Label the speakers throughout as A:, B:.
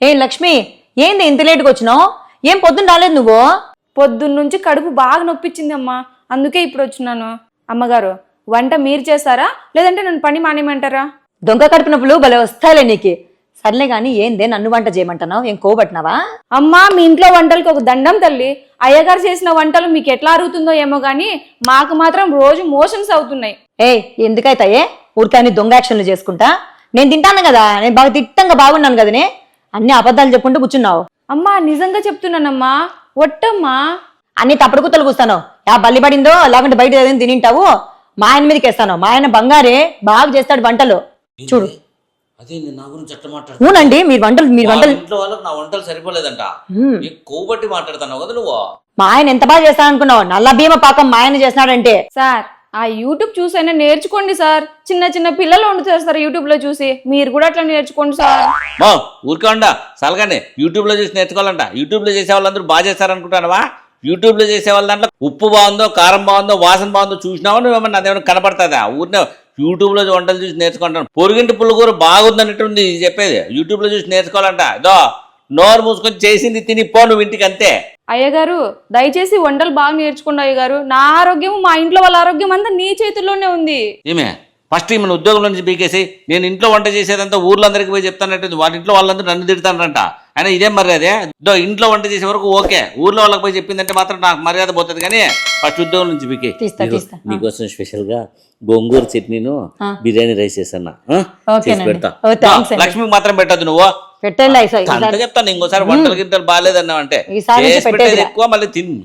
A: ఏ లక్ష్మి, ఏంది ఇంత లేటుగా వచ్చినావు? ఏం పొద్దున్న రాలేదు నువ్వు?
B: పొద్దున్నుంచి కడుపు బాగా నొప్పించిందమ్మా, అందుకే ఇప్పుడు వచ్చినాను. అమ్మగారు, వంట మీరు చేస్తారా లేదంటే నన్ను పని మానేమంటారా?
A: దొంగ కడుపు నొప్పులు భలే వస్తాయిలే నీకు. సర్లే గాని ఏందే నన్ను వంట చేయమంటున్నావు? ఏం కోబట్టినావా?
B: అమ్మా, మీ ఇంట్లో వంటలకు ఒక దండం తల్లి. అయ్యగారు చేసిన వంటలు మీకు ఎట్లా అరుగుతుందో ఏమో గానీ మాకు మాత్రం రోజు మోషన్స్ అవుతున్నాయి.
A: ఎందుకైతాయే ఊరికాని దొంగ యాక్షన్లు చేసుకుంటా? నేను తింటాను కదా, నేను బాగా తిట్టంగా బాగున్నాను కదనే, అన్ని అబద్ధాలు చెప్పుకుంటూ కూర్చున్నావు.
B: అమ్మా, నిజంగా చెప్తున్నానమ్మా, ఒట్టమ్మా.
A: అన్ని తప్పుడు కుత్తలు కూస్తాను. బల్లి పడిందో లేకుంటే బయట ఏదైనా తినింటావు. మా ఆయన మీదకి వేస్తాను. మా ఆయన బంగారే, బాగా చేస్తాడు వంటలు. చూడు.
C: అదే నా గురించి అట్లా మాట్లాడు.
A: అవునండి, మీరు వంటలు
C: ఇంట్లో వాళ్ళకి నా వంటలు సరిపోలేదంట. కొవ్వబట్టి మాట్లాడుతున్నావు కదా నువ్వు.
A: మా ఆయన ఎంత బాగా చేస్తాడనుకున్నావు? నల్ల భీమ పాకం మా ఆయన చేస్తున్నాడంటే.
B: సార్, ఆ యూట్యూబ్ చూసైనా నేర్చుకోండి సార్. చిన్న చిన్న పిల్లలు వండు చేస్తారు యూట్యూబ్ లో చూసి, మీరు కూడా అట్లా నేర్చుకోండి సార్.
C: మా ఊరికే ఉండా సలగానే యూట్యూబ్ లో చూసి నేర్చుకోవాలంట. యూట్యూబ్ లో చేసే వాళ్ళందరూ బాగా చేస్తారనుకుంటానవా? యూట్యూబ్ లో చేసే వాళ్ళ దాంట్లో ఉప్పు బాగుందో, కారం బాగుందో, వాసన బాగుందో చూసినావా నువ్వేమన్నా? అదేమన్నా కనపడుతుందా? ఊరినే యూట్యూబ్ లో వంటలు చూసి నేర్చుకుంటాను. పొరుగింటి పుల్లకూర బాగుందన్నట్టుంది చెప్పేది. యూట్యూబ్ లో చూసి నేర్చుకోవాలంట. ఇదో నోరు మూసుకొని చేసింది తిని పో నువ్వు ఇంటికి, అంతే.
B: అయ్యగారు, దయచేసి వంటలు బాగా నేర్చుకోండి అయ్యగారు. నా ఆరోగ్యం, మా ఇంట్లో వాళ్ళ ఆరోగ్యం అంతా నీ చేతుల్లోనే ఉంది.
C: ఏమే ఫస్ట్ మన ఉద్యోగంలో నుంచి పీకేసి నేను ఇంట్లో వంట చేసేదంతా ఊర్లో అందరికి పోయి చెప్తానంటే వాళ్ళ ఇంట్లో వాళ్ళందరూ నన్ను తిడతానంట. అయినా ఇదేం మర్యాదే? ఇంట్లో వంట చేసే వరకు ఓకే, ఊర్లో వాళ్ళకి పోయి చెప్పిందంటే మాత్రం నాకు మర్యాద పోతుంది. కానీ ఫస్ట్ ఉద్యోగం నుంచి పీకే. నీకోసం స్పెషల్ గా గోంగూర చట్నీను బిర్యానీ రైస్ చేసన్నా పెడతా. లక్ష్మికి మాత్రం పెట్టద్దు నువ్వు. అంత చెప్తాను. ఇంకోసారి వంటలు గింటలు బాగాలేదన్నావు అంటే ఎక్కువ మళ్ళీ తిని.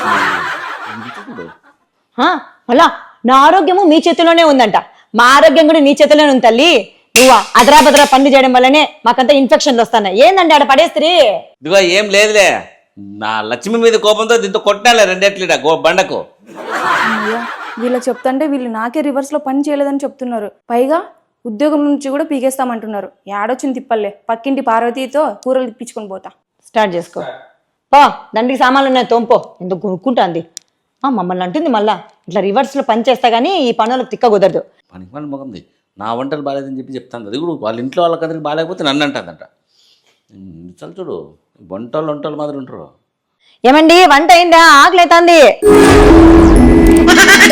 A: మళ్ళా నా ఆరోగ్యము మీ చేతిలోనే ఉందంట. మా ఆరోగ్యం కూడా నీ చేతిలోనే ఉంది తల్లి. నువ్వు అదరా బదరా పనులు చేయడం వల్లనే మాకంతా ఇన్ఫెక్షన్లు వస్తున్నాయి. ఏందండి ఆడ పడేస్త్రీ?
C: ఇదిగో ఏం లేదులే, నా లక్ష్మి మీద కోపంతో దీంతో కొట్టాలే రెండేట్లీట బండకు.
B: వీళ్ళ చెప్తుంటే వీళ్ళు నాకే రివర్స్ లో పని చేయలేదని చెప్తున్నారు. పైగా ఉద్యోగం నుంచి కూడా పీకేస్తామంటున్నారు. ఏడొచ్చింది తిప్పల్లే, పక్కింటి పార్వతీతో కూరలు తిప్పించుకొని పోతా.
A: స్టార్ట్ చేసుకో పో. దండికి సామాన్లు ఉన్నాయి, తోంపో. ఎందుకు కొనుక్కుంటుంది మమ్మల్ని అంటుంది. మళ్ళా ఇట్లా రివర్స్ లో పని చేస్తా గానీ ఈ పనులకు తిక్క కుదరదు.
C: పనికి పని మొగంది. నా వంటలు బాగాలేదని చెప్పి అది కూడా వాళ్ళ ఇంట్లో వాళ్ళకందరికి బాగాలేకపోతే నన్ను అంటుందంట. చల్ చూడు, వంటలు మాత్రం ఉంటారు.
A: ఏమండి, వంట అయిందా? ఆకలి అవుతుంది.